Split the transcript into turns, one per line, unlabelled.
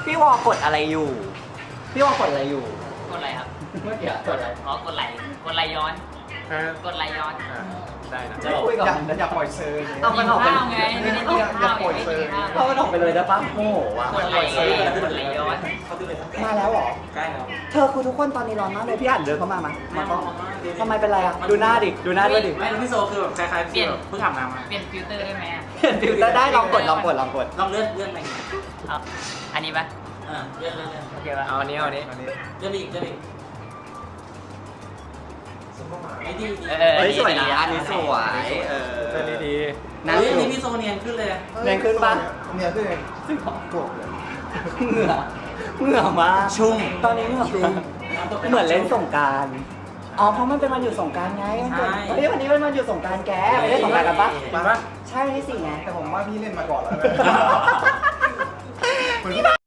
พี่วอกดอะไรอยู่ พี่วอกดอะไรอยู่
กดอะไรครับ
เมื่อกี้กดอะไร
อ๋อกดไหลย้อน กดไหลย้อน
ได้นะ
จะคุยกับ
อย่าปล่อยเซอร์
เอามันออกไป
ข้าวไงไม่ได้กินข้าวไม่ได้กินข้าว
เอามันออกไปเลยได้ปะโอ้โหว่ะ
กดไหลย้อน
มาแล้วเหรอ
ใกล้แล้ว
เธอคือทุกคนตอนนี้ร้อนมากเลยพี่อ่านเดินเข้ามามาก็ทำไมเป็นไรอ่ะ ดูหน้าดิ ดูหน้าด้วยดิ
ไม่พี่โซคือแบบคล้ายๆพี่แบบเพิ่งอาบน้ำมา
เปลี่ยนฟิลเตอร์ได้ไหม
เปลี่ยนฟิลเตอร์ได้ลองกด
ลองเลื่อนไป
เอาอันนี้ปะ
เลื่อน
โอเคปะ
เอาอันนี้เอาอันนี้เลื่อนอีกไอ้ดี
เฮ้ยสวยนะอันนี้สวยเออ
ดี
น่า
เฮ้ย
ส
อัน
นุ
นี้
ก
พี่โซเนียนขึ้นเลย
แรงขึ้นปะ
เนี่ยขึ้นเอง
กดเหงื่อมากชุ่มตอนนี้เหงื่อชุ่มเหมือนเล่นสงกรารอ๋อเพราะมันเป็นวันหยุดสงกรารไงวันนี้เป็นวันหยุดสงกรารแกไปเล่นสงกรารกันปะ
มาปะ
ใช่วันที่4ไง
แต่ผมว่าพี่เล่นมาก่อนแล้ว